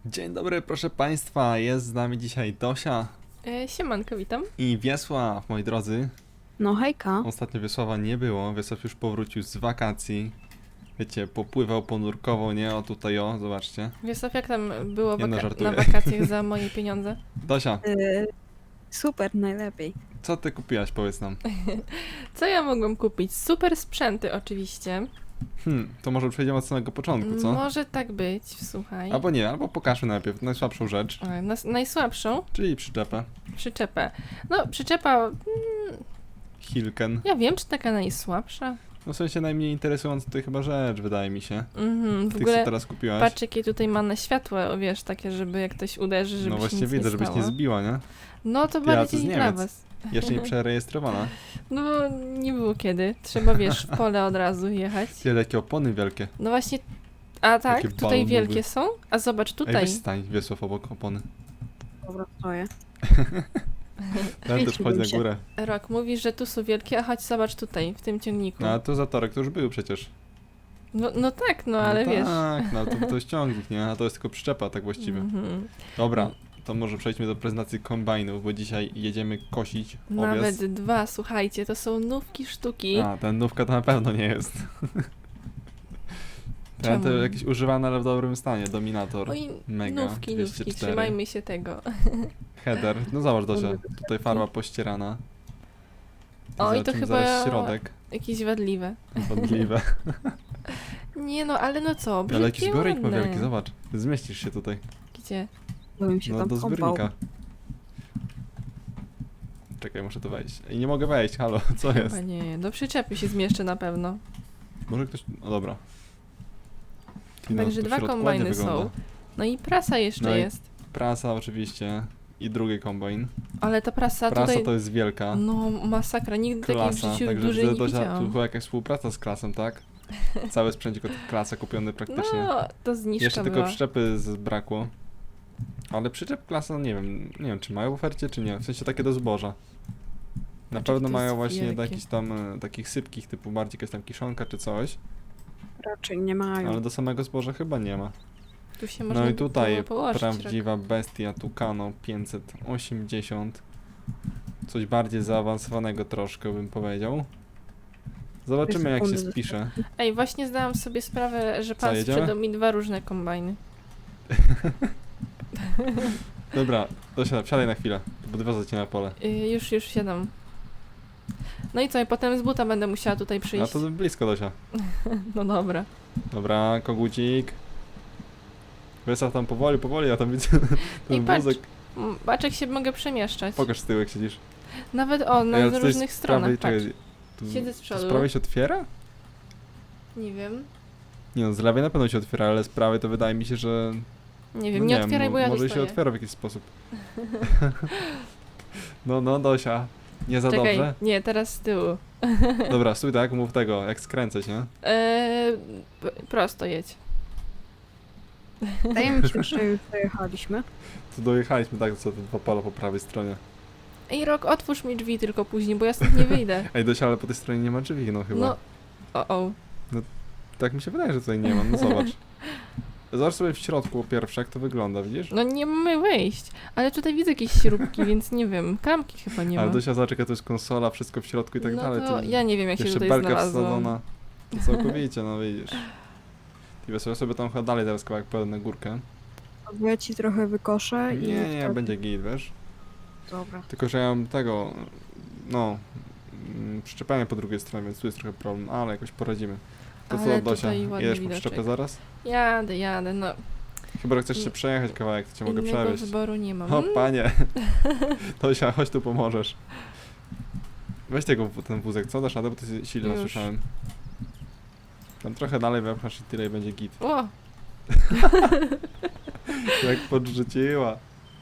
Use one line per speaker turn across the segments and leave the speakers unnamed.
Dzień dobry, proszę Państwa, jest z nami dzisiaj Dosia
Siemanko, witam.
i Wiesław, moi drodzy.
No hejka.
Ostatnio Wiesława nie było, Wiesław już powrócił z wakacji. Wiecie, popływał, ponurkował, nie? O tutaj, o, zobaczcie.
Wiesław, jak tam było
Nie no, żartuję.
na wakacjach za moje pieniądze?
Dosia,
Super, najlepiej.
co ty kupiłaś, powiedz nam.
Co ja mogłam kupić? Super sprzęty oczywiście.
To może przejdziemy od samego początku, co?
Może tak być, słuchaj.
Albo nie, albo pokażmy najpierw najsłabszą rzecz,
Najsłabszą
czyli przyczepę.
przyczepę. No, przyczepa,
Hilken.
ja wiem, czy taka najsłabsza.
No w sensie najmniej interesująca tutaj chyba rzecz, wydaje mi się.
W
Ty co
ogóle
teraz kupiłaś?
patrz, jakie tutaj ma na światło, wiesz, takie, żeby jak ktoś uderzy, żeby
No
się
właśnie
nic
widzę,
nie
żebyś
stało.
nie zbiła, nie?
No to
Ty, a to
bardziej
z
dla
Niemiec.
was.
Jeszcze nie przerejestrowana.
No bo nie było kiedy. Trzeba, wiesz, w pole od razu jechać.
Tyle, jakie opony wielkie.
No właśnie, a tak,
Takie
tutaj
balonowe.
wielkie są, a zobacz
Ej,
tutaj.
weź stań, Wiesław, obok opony.
Dobra, stoję.
Ten też
Kręciłbym
chodź na
się.
górę.
Rok, mówisz, że tu są wielkie, a chodź zobacz tutaj, w tym ciągniku.
No, a to zatorek to już był przecież.
No tak, no ale wiesz.
Tak, no to jest ciągnik, nie? A to jest tylko przyczepa, tak właściwie.
Mhm.
Dobra, to może przejdźmy do prezentacji kombajnów, bo dzisiaj jedziemy kosić owiec.
Nawet dwa, słuchajcie, to są nówki sztuki.
A, ten nówka to na pewno nie jest. Ten to
Czemu?
jakiś używany, ale w dobrym stanie. Dominator.
Oj,
Mega.
nówki,
204.
trzymajmy się tego.
Header. No zobacz, Dosia, tutaj farba pościerana.
Oj, to
Zobaczymy
chyba
zaraz środek.
jakieś wadliwe.
Wątpliwe.
Nie no, ale no co,
Ale jakiś
brzydkie,
zbiornik ma
ładne.
wielki, zobacz. Zmieścisz się tutaj.
Gdzie?
Bym się
No
tam
do
kąpał.
zbiornika. Czekaj, muszę tu wejść. I nie mogę wejść, halo, co jest?
Chyba nie, do przyczepy się zmieszczę na pewno.
Może ktoś... No dobra. Ty, no,
Także
to w
dwa
środku
kombajny
ładnie wygląda.
są. No i prasa jeszcze
No i
jest.
Prasa oczywiście. I drugi kombajn.
Ale ta prasa
Prasa
tutaj...
to jest wielka.
No masakra, nigdy takiej w
Klasa,
życiu
także
dużej
widzę,
nie
Dosia, tu
widziałam.
była jakaś współpraca z klasą, tak? Cały sprzęcik od klasa kupiony praktycznie.
No, to zniżka
Jeszcze tylko
była.
przyczepy brakło. Ale przyczep klasa, nie wiem czy mają w ofercie, czy nie. W sensie takie do zboża. Na
Patrz,
pewno
jak to
mają
jest
właśnie do
wielkie.
jakichś tam takich sypkich, typu bardziej jakaś tam kiszonka czy coś.
Raczej nie mają.
Ale do samego zboża chyba nie ma.
Tu się można
No i
by
tutaj
było położyć.
prawdziwa bestia Tucano 580. Coś bardziej zaawansowanego troszkę bym powiedział. Zobaczymy jak się
sekundy
spisze.
Ej, właśnie zdałam sobie sprawę, że
Co,
pan
jedziemy?
sprzedał mi dwa różne kombajny.
Dobra, Dosia, wsiadaj na chwilę. Podwiozę cię na pole.
Już siadam. No i co, i potem z buta będę musiała tutaj
A
przyjść.
to blisko, Dosia.
No dobra.
Dobra, kogucik. Wystaw tam powoli, ja tam widzę
I
ten
patrz,
wózek.
Baczek się mogę przemieszczać.
Pokaż z tyłu jak siedzisz.
Nawet o,
Ej, ale
na
to jest
różnych
z prawej-
stronach, patrz.
czekaj, tu-
Siedzę z
to
przodu.
Z prawej się otwiera?
Nie wiem.
Nie no, z lewej na pewno się otwiera, ale z prawej to wydaje mi się, że...
Nie wiem,
no
nie otwieraj, bo ja tu
może się
stoję.
otwiera w jakiś sposób. No, Dosia. Nie za
Czekaj,
dobrze?
nie, teraz z tyłu.
Dobra, stój tak, mów tego, jak skręcać, nie?
Prosto jedź.
Wydaje mi się, że już dojechaliśmy.
Tu dojechaliśmy tak, co te dwa pola po prawej stronie.
Ej, Rok, otwórz mi drzwi tylko później, bo ja stąd nie wyjdę.
Ej, Dosia, ale po tej stronie nie ma drzwi, no chyba.
No, o.
Tak mi się wydaje, że tutaj nie ma, no zobacz. Zobacz sobie w środku pierwsze, jak to wygląda, widzisz?
No nie mamy wyjść. Ale tutaj widzę jakieś śrubki, więc nie wiem. Klamki chyba nie ma.
Ale Dosia, zobacz, jaka to jest konsola, wszystko w środku i tak
no
dalej.
to
tu
ja nie wiem, jak się
jeszcze
tutaj
belka
znalazłam.
wsadzona. To całkowicie, no widzisz. I ja sobie tam chyba dalej teraz kawałek pojadę na górkę.
Bo ja ci trochę wykoszę i...
Nie,
wtedy-
będzie git, wiesz?
Dobra.
Tylko, że ja mam tego, no, przyczepianie po drugiej stronie, więc tu jest trochę problem, ale jakoś poradzimy. To
Ale
co, Dosia,
tutaj ładny
jedziesz po
widoczek.
przyczepę zaraz?
Jadę, no.
Chyba, że chcesz się
Nie-
przejechać kawałek, to cię mogę
Innego
przewieźć.
wyboru nie mam.
O, panie. Dosia, chodź tu pomożesz. Weź ten wózek, co? Dasz radę, bo to silno
Już.
słyszałem. Tam trochę dalej wepchasz i tyle i będzie git.
O,
Jak podrzuciła.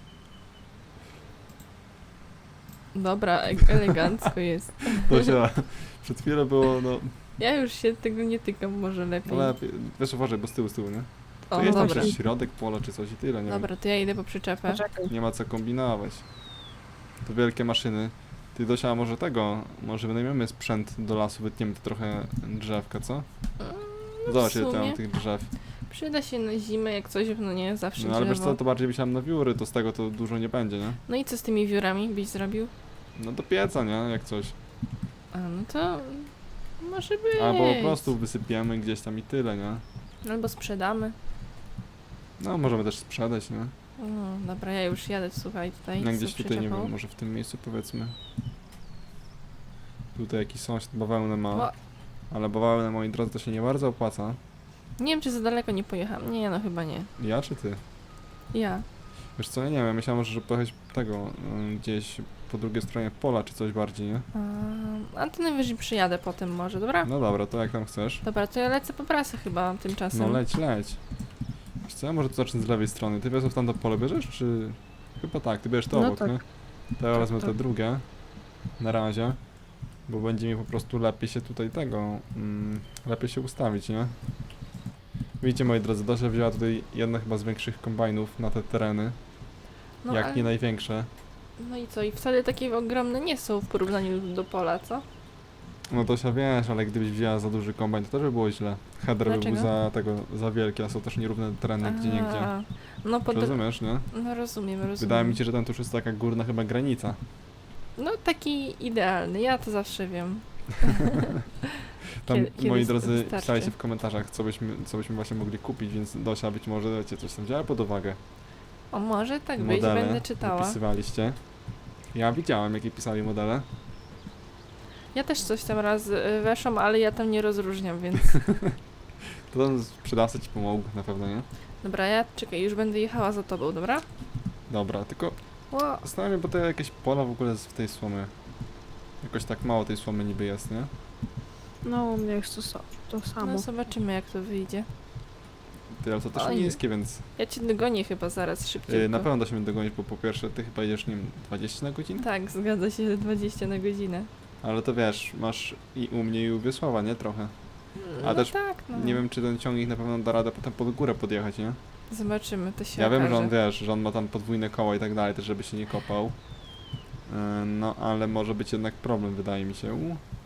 dobra, elegancko jest.
Dosia, przed chwilą było, no,
Ja już się tego nie tykam, może lepiej.
lepiej. Wiesz, uważaj, bo z tyłu, nie? To
O,
jest tam
dobra.
jeszcze środek pola czy coś i tyle, nie
Dobra, to ja idę po przyczepę.
Poczekaj.
Nie ma co kombinować. To wielkie maszyny. Ty, Dosia, może może wynajmiemy sprzęt do lasu, wytniemy tu trochę drzewka, co? Zobacz, ile tam
sumie.
mam tych drzew.
Przyda się na zimę, jak coś, no nie, zawsze
No ale wiesz
drzewo.
co, to bardziej myślałem na wióry, to z tego to dużo nie będzie, nie?
No i co z tymi wiórami byś zrobił?
No do pieca, nie? Jak coś.
A, no to może być.
Albo po prostu wysypiemy gdzieś tam i tyle, nie?
Albo sprzedamy.
No możemy też sprzedać, nie?
No, dobra, ja już jadę, słuchaj, tutaj.
No
z
gdzieś
tą
tutaj, nie
przyczepą.
wiem, może w tym miejscu powiedzmy. Tutaj jakiś sąsiad bawełnę ma.
Ła-
Ale bawełnę, moi drodzy, to się nie bardzo opłaca.
Nie wiem, czy za daleko nie pojechałam. Nie, no chyba nie.
Ja czy ty?
Ja.
Wiesz co, ja nie wiem, ja myślałem, że pojechać tego, gdzieś po drugiej stronie pola czy coś bardziej, nie?
A to najwyżej przyjadę potem może, dobra?
No dobra, to jak tam chcesz?
Dobra, to ja lecę po prasę chyba tymczasem.
No leć, leć. Wiesz co, ja może to zacznę z lewej strony. Ty wiesz, w tamto pole bierzesz, czy... Chyba tak, ty bierzesz to
No
obok,
tak.
nie? To ja wezmę
tak.
te drugie. Na razie. Bo będzie mi po prostu lepiej się tutaj lepiej się ustawić, nie? Widzicie, moi drodzy, Dosia wzięła tutaj jedno chyba z większych kombajnów na te tereny.
No,
Jak
ale-
nie największe.
No i co? I wcale takie ogromne nie są w porównaniu do pola, co?
No Dosia, wiesz, ale gdybyś wzięła za duży kombajn, to też by było źle. Header by był
Dlaczego?
za wielki, a są też nierówne tereny gdzie niegdzie.
A, no
Rozumiesz, nie?
No rozumiem.
Wydaje mi się, że ten tuż jest taka górna chyba granica.
No taki idealny, ja to zawsze wiem.
Tam,
Kiedy
moi drodzy,
wystarczy.
pisaliście w komentarzach, co byśmy właśnie mogli kupić, więc Dosia być może, wiecie, coś tam wzięła pod uwagę.
O, może tak być,
Modele
będę czytała.
wypisywaliście. Ja widziałem, jakie pisali modele.
Ja też coś tam raz weszłam, ale ja tam nie rozróżniam, więc...
To tam sprzedawca ci pomógł na pewno, nie?
Dobra, ja czekaj, już będę jechała za tobą, dobra?
Dobra, tylko
Ło,
zastanawiam się, bo to jakieś pola w ogóle jest w tej słomy. Jakoś tak mało tej słomy niby jest, nie?
No, u mnie jest to samo.
no zobaczymy jak to wyjdzie.
Ty, ale to też
Oj.
niskie, więc
Ja cię dogonię chyba zaraz szybciej.
na pewno da się mnie dogonić, bo po pierwsze ty chyba jedziesz, nie wiem, 20 na godzinę?
Tak, zgadza się, 20 na godzinę.
Ale to wiesz, masz i u mnie i u Wiesława, nie? Trochę. A
No
też
tak, no.
Nie wiem, czy ten ciągnik na pewno da radę potem pod górę podjechać, nie?
Zobaczymy, to się
Ja wiem,
okaże.
że on, wiesz, że on ma tam podwójne koła i tak dalej, też żeby się nie kopał. No, ale może być jednak problem, wydaje mi się.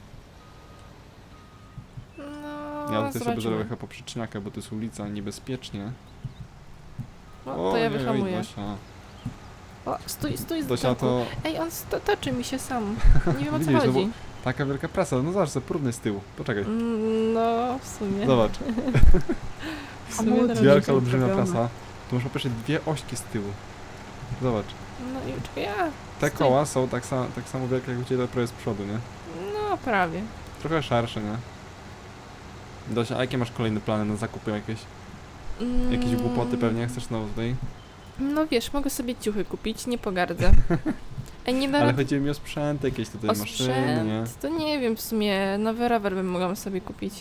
No,
Ja tutaj sobie
zobaczymy.
zrobię chyba poprzeczniakę, bo to jest ulica, niebezpiecznie.
No, to ja wyhamuję.
Dosia.
O, stój, z
Dosia
tyłu.
to
Ej, on toczy mi się sam. Nie wiem o co
Widzisz, no bo-
chodzi.
taka wielka prasa, no zobacz, sobie próbny z tyłu. Poczekaj,
No, w sumie.
zobacz.
W sumie
Hamulce.
to
Wielka,
robicie
olbrzymia
zrobione.
prasa. Tu masz po pierwsze dwie ośki z tyłu. Zobacz.
No i czekaj, ja.
Te
Stój.
koła są tak samo wielkie jak u Ciebie, prawie z przodu, nie?
No, prawie.
Trochę szersze, nie? Dosia, a jakie masz kolejne plany na zakupy jakieś? Jakieś głupoty pewnie chcesz znowu tutaj?
No wiesz, mogę sobie ciuchy kupić, nie pogardzę. Ej, nie da
Ale
rady
chodzi mi o sprzęt, jakieś tutaj
o
maszyny, nie?
sprzęt, to nie wiem, w sumie nowy rower bym mogła sobie kupić.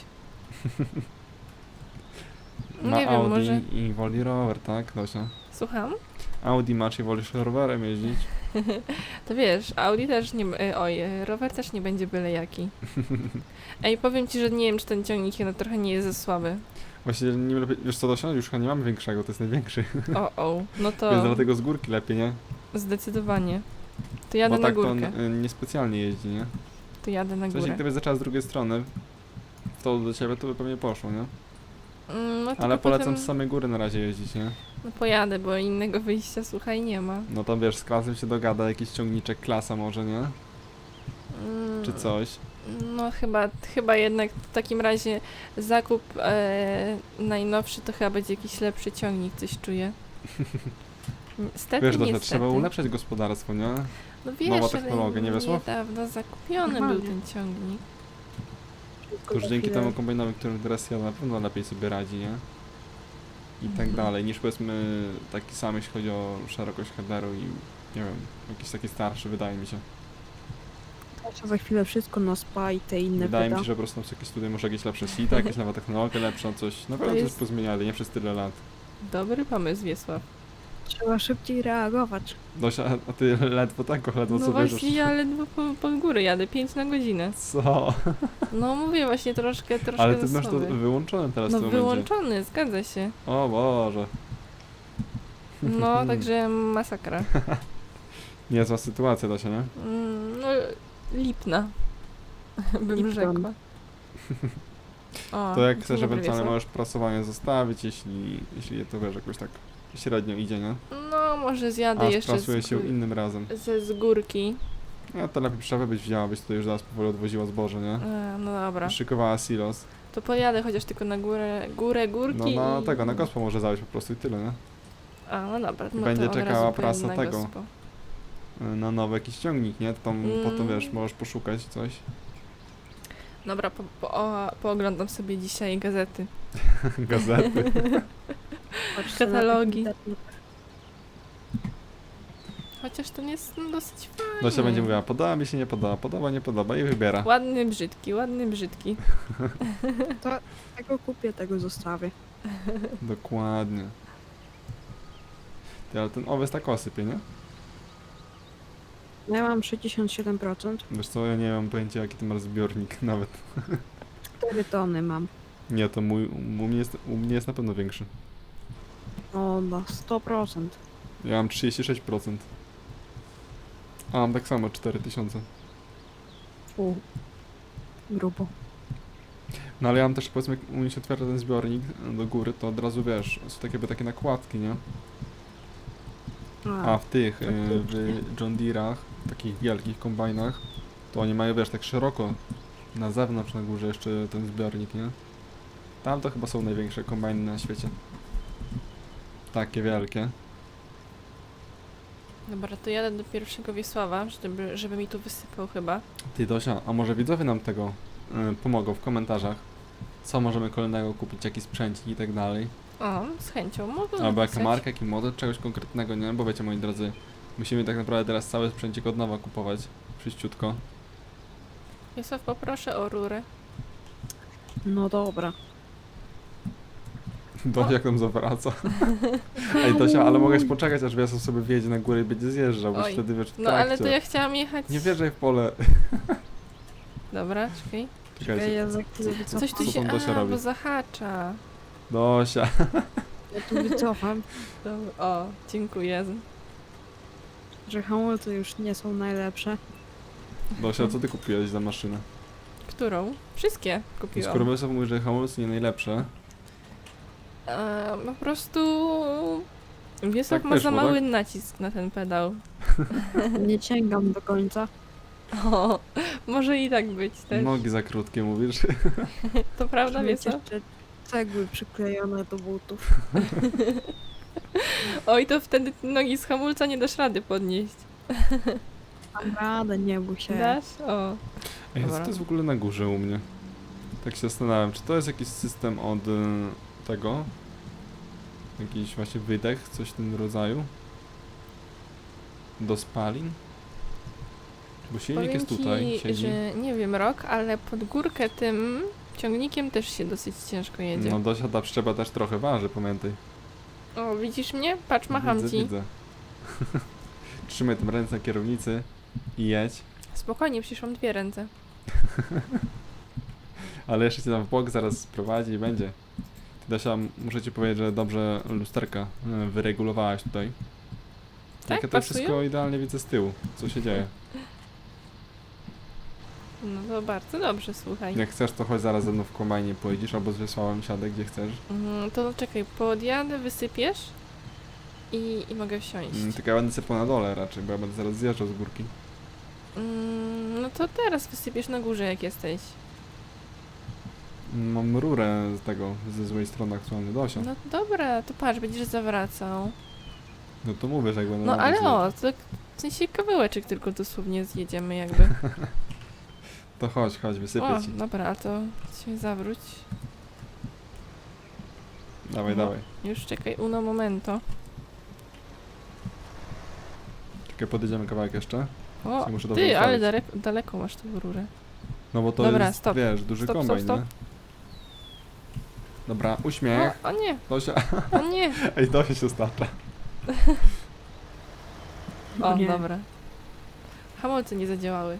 Ma
Nie wiem,
Audi
może-
i woli rower, tak, Dosia?
Słucham?
Audi masz i wolisz rowerem jeździć?
To wiesz, Audi też nie... rower też nie będzie byle jaki. Ej, powiem ci, że nie wiem, czy ten ciągnik no, trochę nie jest za słaby.
Właśnie nie lepiej, wiesz co, Dosia, już chyba nie mamy większego, to jest największy.
No to
Więc dlatego z górki lepiej, nie?
zdecydowanie. To jadę
Bo
na
tak to
górkę.
on niespecjalnie jeździ, nie?
To jadę na
W sensie,
górę.
gdybyś zaczęła z drugiej strony, to do ciebie to by pewnie poszło, nie?
No, tylko
Ale polecam
potem,
z samej góry na razie jeździć, nie?
No pojadę, bo innego wyjścia, słuchaj, nie ma.
No to wiesz, z klasem się dogada, jakiś ciągniczek klasa może, nie? Czy coś.
No chyba jednak w takim razie zakup najnowszy to chyba będzie jakiś lepszy ciągnik, coś czuję. Niestety,
Wiesz, Dosia,
niestety.
trzeba ulepszać gospodarstwo, nie?
No wiesz,
nowa
ale
technologia, nie Wiesław?
niedawno zakupiony
Normalnie.
był ten ciągnik.
Wszystko
To już
za
dzięki
chwilę.
temu kombajnowi, którym teraz jadę, na pewno lepiej sobie radzi, nie? I tak
Mhm.
dalej, niż powiedzmy taki sam, jeśli chodzi o szerokość headeru i nie wiem, jakiś taki starszy, wydaje mi się.
Kasia za chwilę wszystko na spa i te inne
Wydaje
wyda.
mi się, że po prostu są jakieś tutaj może jakieś lepsze sita, jakaś nowa technologia lepsza, coś. Na pewno coś
jest-
pozmieniali, nie przez tyle lat.
Dobry pomysł, Wiesław.
Trzeba szybciej reagować.
Dosia, a ty ledwo
No
co
właśnie,
bierzesz?
ja ledwo pod górę jadę, 5 na godzinę.
Co?
No mówię właśnie troszkę
Ale ty masz to
słaby.
wyłączone teraz
No
w tym momencie.
wyłączony, zgadza się.
O Boże.
No, także masakra.
Niezła sytuacja, Dosia, nie?
No, lipna, bym
Lipton.
rzekła. O,
To jak chcesz
dobry
ewentualnie
wiesło.
możesz prasowanie zostawić, jeśli to wiesz, jakoś tak średnio idzie, nie?
No, może zjadę
A
jeszcze
sprasuje się innym razem.
z górki.
No to lepiej przerwę byś wzięła, byś tutaj już zaraz powoli odwoziła zboże, nie?
No dobra.
Szykowała silos.
To pojadę chociaż tylko na górę górki
No na
i...
tego, na gospo może zawieźć po prostu i tyle, nie?
A, no dobra.
I
No
będzie
to od
czekała
razu pojadę
prasa
na
tego.
gospo.
Na nowy jakiś ciągnik, nie? To tam potem wiesz,
Mm.
możesz poszukać coś.
Dobra, pooglądam sobie dzisiaj gazety.
Gazety.
Patrzę na
Katalogi.
taki internet.
Chociaż ten jest dosyć fajny.
Dosia będzie mówiła, podoba mi się, nie podoba, podoba, nie podoba i wybiera.
Ładny, brzydki, ładny, brzydki.
Tego kupię, tego zostawię.
Dokładnie. Ty, ale ten owiec tak osypie, nie?
Ja mam 67%.
Wiesz co, ja nie mam pojęcia jaki ty masz zbiornik nawet.
4 tony mam.
Nie, to u mnie jest na pewno większy.
O, na 100%.
Ja mam 36%. A mam tak samo 4000.
Grubo.
No ale ja mam też powiedzmy, jak u mnie się otwiera ten zbiornik do góry, to od razu wiesz, są takie nakładki, nie? A w tych, w John Deere'ach, takich wielkich kombajnach, to oni mają, wiesz, tak szeroko na zewnątrz, na górze jeszcze ten zbiornik, nie? Tam to chyba są największe kombajny na świecie. Takie wielkie.
Dobra, to jadę do pierwszego Wiesława, żeby mi tu wysypał chyba.
Ty Dosia, a może widzowie nam tego pomogą w komentarzach? Co możemy kolejnego kupić, jaki sprzęcik i tak dalej.
O, z chęcią mogę
Albo jaka
napisać.
marka, jaki model, czegoś konkretnego, nie? Bo wiecie, moi drodzy, musimy tak naprawdę teraz cały sprzęcik od nowa kupować. Wszyściutko.
Wiesław, poproszę o rurę.
No dobra.
Dosia jak tam zawraca. Ej Dosia, ale mogłeś poczekać, aż Wiesław sobie wjedzie na górę i będzie zjeżdżał, bo
Oj.
wtedy wiesz w
No ale to
trakcie.
ja chciałam jechać...
Nie wjeżdżaj w pole.
Dobra, czekaj.
Czekajcie.
Ja za chwilę wycofam.
Coś tu
Co
się...
tam Dosia robi?
bo zahacza.
Dosia.
Ja tu wycofam,
Dobra, o, dziękuję.
że hamulce już nie są najlepsze.
Dosia, co ty kupiłeś za maszynę?
Którą? Wszystkie kupiłam.
Skoro Wiesław mówi, że hamulce nie najlepsze,
Po prostu... Wiesław
Tak
ma
wyszło,
za mały
tak?
nacisk na ten pedał.
Nie sięgam do końca.
O, może i tak być też.
nogi za krótkie mówisz.
To prawda,
Muszę mieć
Wiesław?
jeszcze cegły przyklejone do butów.
Oj, to wtedy nogi z hamulca nie dasz rady podnieść.
Mam radę, nie bój się.
Dasz? O.
Ej, co
Dobra.
to jest w ogóle na górze u mnie? Tak się zastanawiam, czy to jest jakiś system od tego? Jakiś właśnie wydech, coś w tym rodzaju? Do spalin? Bo silnik
Powiem
jest tutaj,
ci,
siedzi.
że nie wiem rok, ale pod górkę tym ciągnikiem też się dosyć ciężko jedzie.
No Dosia, ta przyczepa też trochę waży, pamiętaj.
O, widzisz mnie? Patrz, macham
widzę,
ci.
Widzę. Trzymaj tam ręce na kierownicy i jedź.
Spokojnie, przecież mam 2 ręce.
Ale jeszcze cię tam w bok zaraz sprowadzi i będzie. Ty, Dosia, muszę ci powiedzieć, że dobrze lusterka wyregulowałaś tutaj.
Tak,
Jak ja to
pasują?
wszystko idealnie widzę z tyłu, co się dzieje.
No to bardzo dobrze, słuchaj.
Jak chcesz, to chodź zaraz ze mną w kombajnie pojedziesz, albo z Wiesławem siadę, gdzie chcesz.
To czekaj, podjadę, wysypiesz i mogę wsiąść.
Tylko ja będę sypał na dole raczej, bo ja będę zaraz zjeżdżał z górki.
No to teraz wysypiesz na górze, jak jesteś.
Mam rurę z tego, ze złej strony aktualnie, Dosia.
No dobra, to patrz, będziesz zawracał.
No to mówię, że jak będę
No
na
ale
dół
o, to w sensie kawałeczek tylko dosłownie zjedziemy jakby.
To chodź, wysypię
O,
ci.
dobra, a to się zawróć.
Dawaj,
no.
dawaj.
Już czekaj, uno momento.
Czekaj, podjedziemy kawałek jeszcze.
O,
Się muszę dobrze
ty, ale
ustawić.
daleko masz tą rurę.
No bo to
Dobra,
jest,
stop.
wiesz, duży
Stop,
kombajn,
stop,
nie? Dobra, uśmiech.
O nie,
Dosia,
o nie.
ej, Dosia się stacza.
O,
Nie.
dobra. Hamulce nie zadziałały.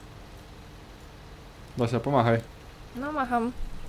Dosia, pomachaj.
No macham.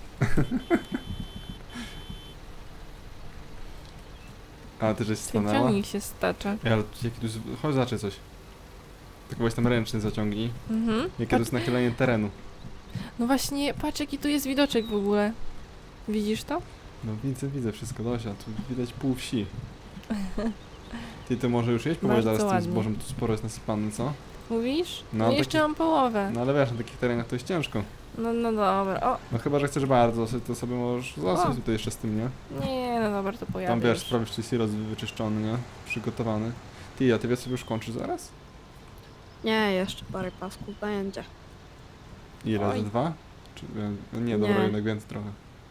A ty żeś
Ten
stanęła?
ciągnik się stacza.
Ej, ale jaki tu jest... Chodź, zacząć coś. Tak weź tam ręczny zaciągnij.
Mhm.
Jakie to jest nachylenie terenu.
No właśnie, patrz jaki tu jest widoczek w ogóle. Widzisz to?
No widzę wszystko, Dosia, tu widać pół wsi. Ty to może już jeść powoli
Bardzo
zaraz z tym
ładnie.
zbożem, tu sporo jest nasypane, co?
Mówisz?
No,
No, jeszcze
taki-
mam połowę.
No ale wiesz, na takich terenach to jest ciężko.
No dobra. O,
No chyba, że chcesz bardzo, to sobie możesz zostać
O.
tutaj jeszcze z tym, nie?
nie, no dobra, to pojadę
Tam wiesz,
już.
sprawisz, czy silos wyczyszczony, nie? Przygotowany. Ty, a ty wiesz, sobie już kończysz zaraz?
Nie, jeszcze parę pasków będzie.
Ile?
Oj.
Ze 2? Czy, no nie, dobra,
Nie.
jednak więcej trochę.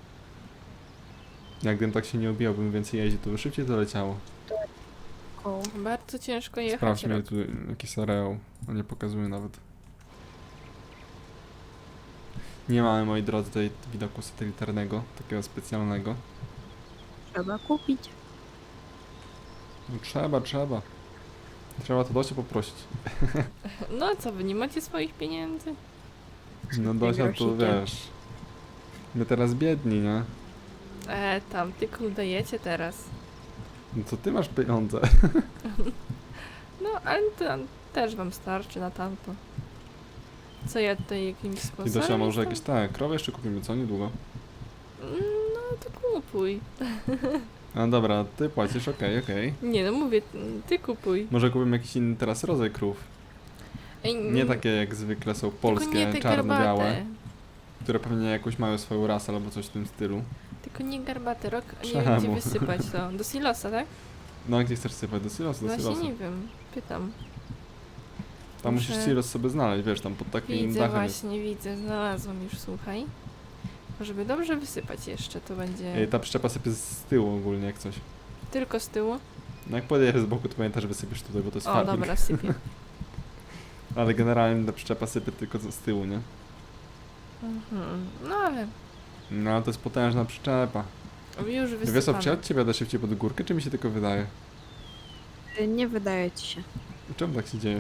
Jakbym tak się nie obijał, bym więcej jeździł, to by szybciej to leciało.
Koło.
Bardzo ciężko jechać.
Sprawdź mnie
Rok.
tu jakiś areał, a nie pokazuje nawet. Nie mamy, moi drodzy, tutaj widoku satelitarnego, takiego specjalnego.
Trzeba kupić.
No trzeba. Trzeba to Dosia poprosić.
No a co, wy nie macie swoich pieniędzy?
No Dosia, to
grosikiem.
wiesz... My teraz biedni, nie?
Tam, ty dajecie teraz.
No to ty masz pieniądze.
No, ale to też wam starczy na tamto. Co ja tutaj jakimś
I
sposobem...
Dosia, może
jestem?
jakieś krowy jeszcze kupimy, co? Niedługo.
No, to kupuj.
No dobra, ty płacisz, okej.
Nie no, mówię, ty kupuj.
Może kupimy jakiś inny teraz rodzaj krów.
Ej,
Nie takie jak zwykle są
tylko nie
polskie,
te
czarne,
garbate.
białe, które pewnie jakąś mają swoją rasę albo coś w tym stylu.
Tylko nie garbate, Rok, nie
Czemu?
wiem gdzie wysypać to. Do silosa, tak?
No a gdzie chcesz sypać? Do silosu, do
Właśnie
silosu.
nie wiem, pytam.
Tam musisz
Muszę-
silos sobie znaleźć, wiesz, tam pod takim
Widzę
dachem jest.
właśnie, widzę, znalazłam już, słuchaj. Żeby dobrze wysypać jeszcze, to będzie
Ta przyczepa sypie z tyłu ogólnie jak coś.
tylko z tyłu.
No jak podjedziesz z boku, to pamiętaj, że wysypiesz tutaj, bo to jest
O,
farming.
dobra, sypię.
Ale generalnie ta przyczepa sypie tylko z tyłu, nie?
Mhm. No ale
No ale to jest potężna przyczepa.
już
Wiesz,
wysypane.
czy od ciebie jadę szybciej pod górkę, czy mi się tylko wydaje?
Nie wydaje ci się.
Czemu tak się dzieje?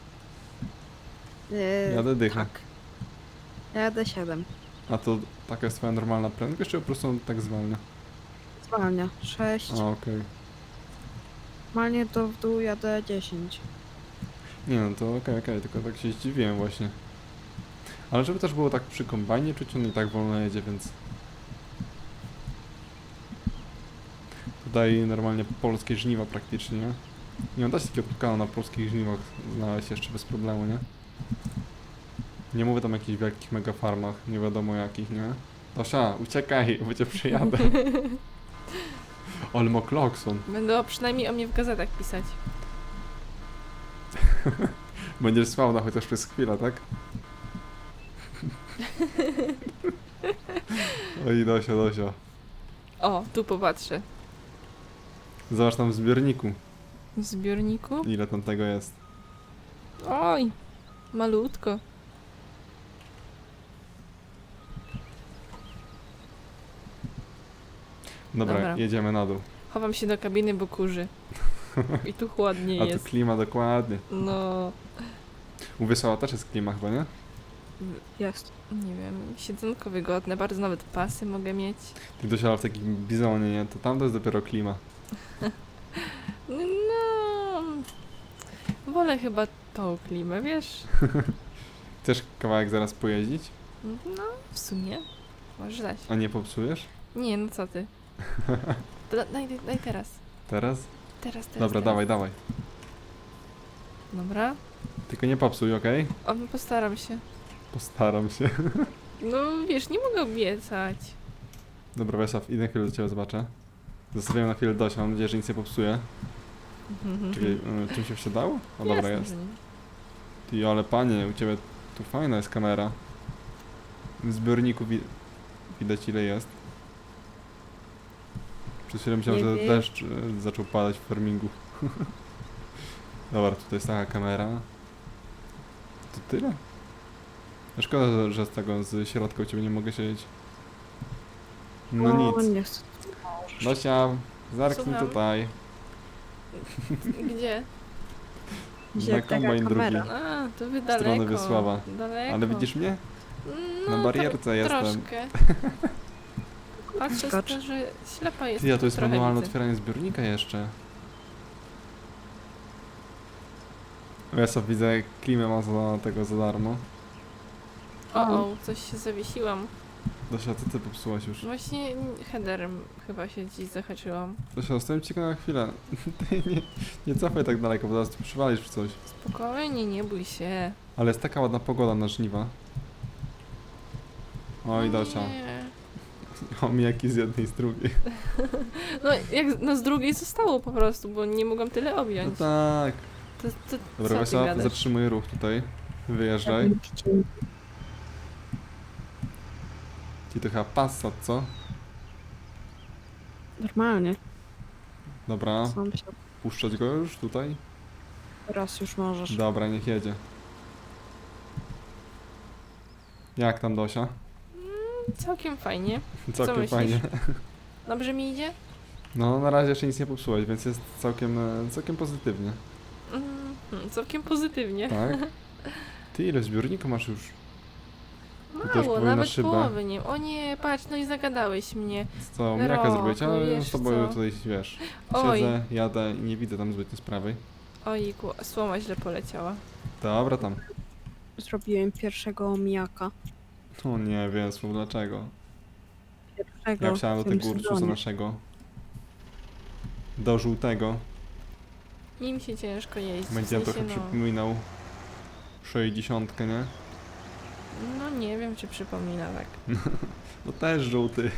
Yy,
Jadę dycha.
Tak. Jadę 7.
A to taka jest twoja normalna prędkość, czy po prostu on tak zwalnia?
Zwalnia. 6.
A, okej.
Normalnie to w dół jadę 10.
Nie no, to okej, tylko tak się zdziwiłem właśnie. Ale żeby też było tak przy kombajnie czuć, on i tak wolno jedzie, więc... Tutaj normalnie polskie żniwa praktycznie, nie? Nie da się takiego tukana na polskich żniwach znaleźć jeszcze bez problemu, nie? Nie mówię tam o jakichś wielkich megafarmach, nie wiadomo jakich, nie? Tosia, uciekaj, bo cię przyjadę. Ale ma klakson.
Będą przynajmniej o mnie w gazetach pisać.
Będziesz sławna chociaż przez chwilę, tak? Oj, Dosia.
O, tu popatrzę.
Zobacz tam w zbiorniku,
W zbiorniku?
ile tam tego jest.
Oj, malutko. Dobra.
Jedziemy na dół.
Chowam się do kabiny, bo kurzy. I tu chłodniej
A tu
jest.
klima dokładnie.
No,
U Wiesława też jest klima chyba, nie?
Jest.
nie wiem, siedzonko wygodne, bardzo nawet pasy mogę mieć.
Ty dosiadał w takim bizonie, nie? To tam to jest dopiero klima.
No, wolę chyba tą klimę, wiesz?
Chcesz kawałek zaraz pojeździć?
No, w sumie. Możesz dać.
A nie popsujesz?
Nie, no co ty. Daj teraz.
Teraz?
Teraz.
Dobra,
teraz.
dawaj.
Dobra.
Tylko nie popsuj, okej?
O, no postaram się.
Postaram się.
No, wiesz, nie mogę obiecać.
Dobra, Wiesław, idę chwilę do ciebie zobaczę. Zostawiam na chwilę Dosię, mam nadzieję, że nic nie popsuje. Czekaj, czym się wsiadało? O, dobra,
Jasne,
jest.
że nie.
Ty, ale panie, u ciebie tu fajna jest kamera. W zbiorniku widać ile jest. Przez chwilę myślałem,
Nie
że
wiem.
deszcz zaczął padać w farmingu. Dobra, tutaj jest taka kamera. To tyle? No szkoda, że z tego, z środka u ciebie nie mogę siedzieć. No nic.
Nie chcę.
Dosia, zerknij
Słucham.
tutaj.
Gdzie?
Gdzie
Na
taka
kombajn
kamera?
drugi.
A, to wy
W
daleko.
stronę Wiesława.
Daleko.
Ale widzisz mnie?
No,
na barierce
tak
jestem.
Troszkę. Patrzę,
Skocz.
że ślepa jest.
Ty, a to jest
trochę
manualne
widzę.
otwieranie zbiornika jeszcze. Ja sobie widzę, klimę ma za tego za darmo.
O, coś się zawiesiłam.
Dosia, co ty popsułaś już?
Właśnie headerem chyba się dziś zahaczyłam.
Dosia, zostałem ci na chwilę. Ty nie cofaj tak daleko, bo zaraz tu przywalisz w coś.
Spokojnie, nie bój się.
Ale jest taka ładna pogoda na żniwa. Oj, Dosia.
Nie.
Omijaki z jednej i z drugiej.
No, jak z drugiej zostało po prostu, bo nie mogłam tyle
No
objąć.
tak.
To
Dobra,
co ty
Wesoła,
gadasz?
zatrzymuj ruch tutaj. Wyjeżdżaj. Ci to chyba Passat, co?
Normalnie.
Dobra,
Sam się.
puszczać go już tutaj?
Teraz już możesz.
Dobra, niech jedzie. Jak tam, Dosia?
Całkiem fajnie.
Całkiem
myślisz?
fajnie.
Dobrze mi idzie?
No, na razie jeszcze nic nie popsułeś, więc jest całkiem pozytywnie.
Całkiem pozytywnie.
Tak? Ty ile zbiornika masz już? To też
Mało,
powinna
nawet
szyba.
połowy nie. O nie, patrz, no i zagadałeś mnie.
Co, jaka
Rok,
zrobić?
no
Ale
wiesz
z tobą
co.
tutaj, wiesz,
Oj.
siedzę, jadę i nie widzę tam zbytnio sprawy.
Ojku, słoma źle poleciała.
Dobra, tam.
Zrobiłem pierwszego omijaka.
O nie, wiem, dlaczego.
Pierwszego
Ja wsiadłem
w
do
tym
tego Ursusa
sezonie.
naszego. Do żółtego.
Nim się ciężko jeździ.
Będzie
w sensie,
trochę przypominał 60, nie?
no nie wiem, czy przypomina tak.
No też żółty.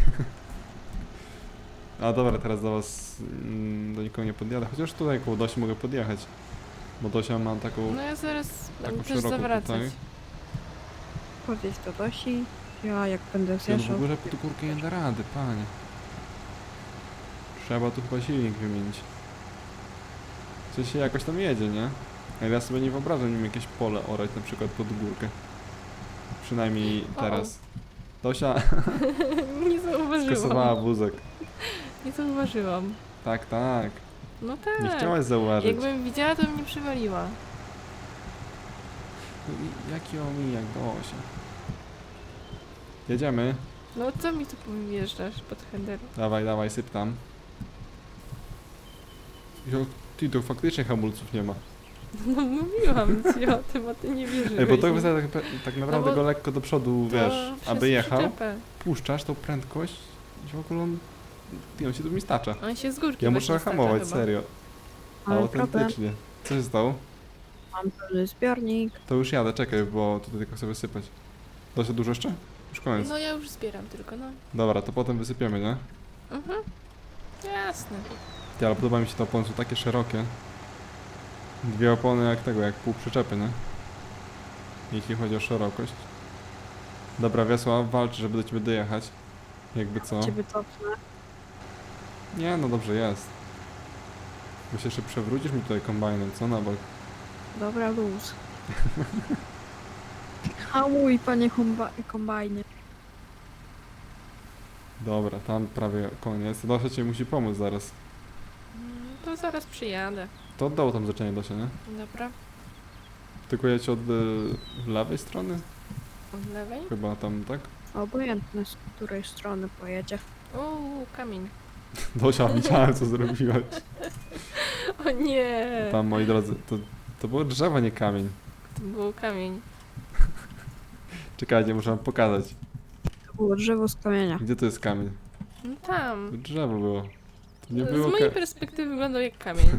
A dobra, teraz do was, do nikogo nie podjadę. Chociaż tutaj koło Dosi mogę podjechać. Bo Dosia ma taką,
No ja zaraz
taką
będę też
szeroką
zawracać.
tutaj.
Podjedź do Dosi. Ja jak będę
Ja w
zjeżdżał.
ogóle po tu górkę nie da rady, panie. Trzeba tu chyba silnik wymienić. Coś się jakoś tam jedzie, nie? Ale ja sobie nie wyobrażam nim jakieś pole orać na przykład pod górkę. Przynajmniej
O.
teraz. Dosia
Nie
skasowała
zauważyłam.
wózek.
Nie zauważyłam.
Tak, tak.
No tak.
Nie chciałaś zauważyć.
Jakbym widziała, to bym nie przywaliła.
No i jaki omijak, Dosia. Jedziemy.
No co mi tu wjeżdżasz pod header?
Dawaj, dawaj, syp tam. Jo, ty, to faktycznie hamulców nie ma.
No mówiłam ci o tym, a ty nie wierzyłeś.
Ej, bo to
mi.
wystarczy tak naprawdę
No bo
go lekko do przodu,
To
wiesz,
przez
aby jechał.
przyczepę.
Puszczasz tą prędkość i w ogóle on się tu mi stacza.
On się z górki
Ja
właśnie
muszę
stacza
hamować,
chyba.
serio.
Ale problem,
Autentycznie. Co się stało?
mam pełny zbiornik.
To już jadę, czekaj, bo tutaj tylko chcę wysypać. To się dużo jeszcze? Już koniec.
No ja już zbieram tylko, no.
Dobra, to potem wysypiemy, nie?
Mhm. Jasne.
Ty, ale podoba mi się te opony, są takie szerokie. Dwie opony jak tego, jak pół przyczepy, nie? Jeśli chodzi o szerokość. Dobra, Wiesław, walcz, żeby do ciebie dojechać. Jakby co?
Ciebie cofnę.
Nie, no dobrze jest. Bo się jeszcze przewrócisz mi tutaj kombajnem, co na bok?
Dobra, luz. Hamuj, panie kombajnie.
Dobra, tam prawie koniec. Dosia ci musi pomóc zaraz.
To zaraz przyjadę.
To oddało tam zaczęcie Dosia, nie?
Dobra.
Tylko jedź od lewej strony?
Od lewej?
Chyba tam, tak?
Obojętne, z której strony pojedzie.
Kamień.
Dosia, widziałem co zrobiłaś.
O nie!
Tam, moi drodzy, to było drzewo, nie kamień.
To był kamień.
Czekajcie, muszę wam pokazać.
To było drzewo z kamienia.
Gdzie to jest kamień?
No tam.
To drzewo było. To nie
Z
było,
mojej perspektywy wyglądał jak kamień.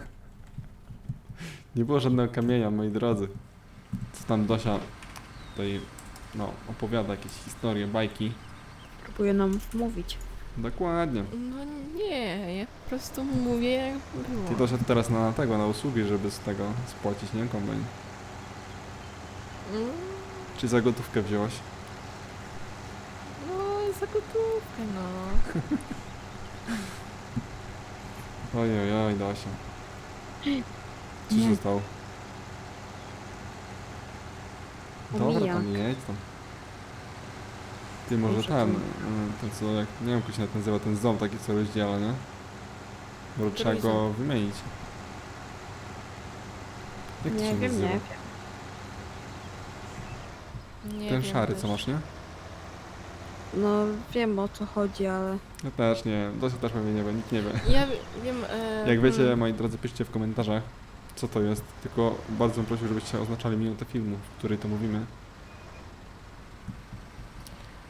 nie było żadnego kamienia, moi drodzy. Co tam Dosia tutaj, no, opowiada jakieś historie, bajki.
Próbuje nam mówić.
Dokładnie.
No nie, ja po prostu mówię jak było.
Ty doszedł teraz na tego, na usługi, żeby z tego spłacić, nie? Kombajn.
Mm,
Czy za gotówkę wziąłaś?
No, za gotówkę, no.
Ojej, Dosia. Co się
Nie.
stało? Dobra,
Omijak.
tam jedź tam. Ty może
Muszę
ten,
tu-
ten co, jak, nie wiem jak się nazywa, ten ząb taki co rozdziela, nie? Bo trzeba go
ząb?
wymienić. Jak to
Nie
się
wiem,
nazywa?
nie wiem.
Nie
Ten
wiem
szary
też.
co masz, nie?
No wiem o co chodzi, ale
Ja też nie, Dosia też pewnie nie wie, nikt nie wie.
Ja wiem...
Jak wiecie, moi drodzy, piszcie w komentarzach, co to jest. Tylko bardzo bym prosił, żebyście oznaczali minutę filmu, w której to mówimy.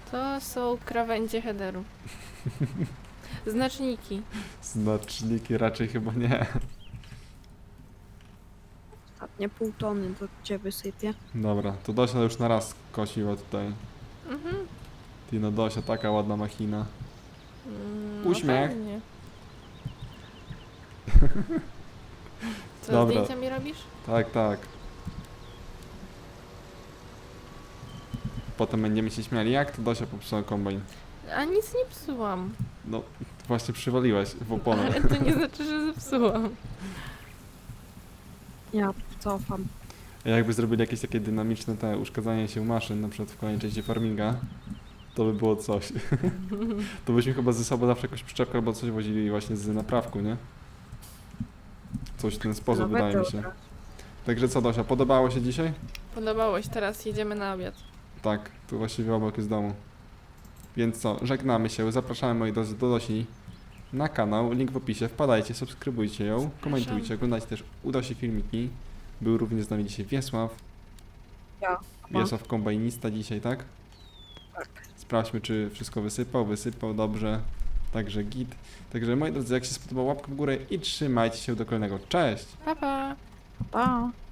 To są krawędzie headeru. Znaczniki.
Znaczniki raczej chyba nie.
Ostatnie pół tony do ciebie wysypię.
Dobra, to Dosia już na raz kosiła tutaj.
Mhm.
Ty no Dosia, taka ładna machina.
No
Uśmiech.
fajnie. Co,
Dobra.
zdjęcia mi robisz?
Tak, tak. Potem będziemy się śmiali, jak to Dosia popsuła kombajn.
A nic nie psułam.
No, właśnie przywaliłeś w oponę.
Ale to nie znaczy, że zepsułam.
Ja cofam.
A jakby zrobili jakieś takie dynamiczne te uszkadzanie się maszyn, na przykład w kolejnej części farminga, to by było coś. To byśmy chyba ze sobą zawsze jakąś przyczepkę albo coś wozili właśnie z naprawku, nie? Coś w ten sposób,
Nawet
wydaje mi się.
dobra.
Także co, Dosia, podobało się dzisiaj?
Podobało się, teraz jedziemy na obiad.
Tak, tu właściwie obok jest domu. Więc co, żegnamy się, zapraszamy moi drodzy do Dosi na kanał, link w opisie, wpadajcie, subskrybujcie ją, komentujcie, oglądajcie też u Dosi filmiki. Był również z nami dzisiaj Wiesław.
Ja.
Wiesław kombajnista dzisiaj, tak?
Tak.
Sprawdźmy, czy wszystko wysypał dobrze, także git. Także moi drodzy, jak się spodobał, łapkę w górę i trzymajcie się do kolejnego. Cześć!
Pa, pa!
Pa!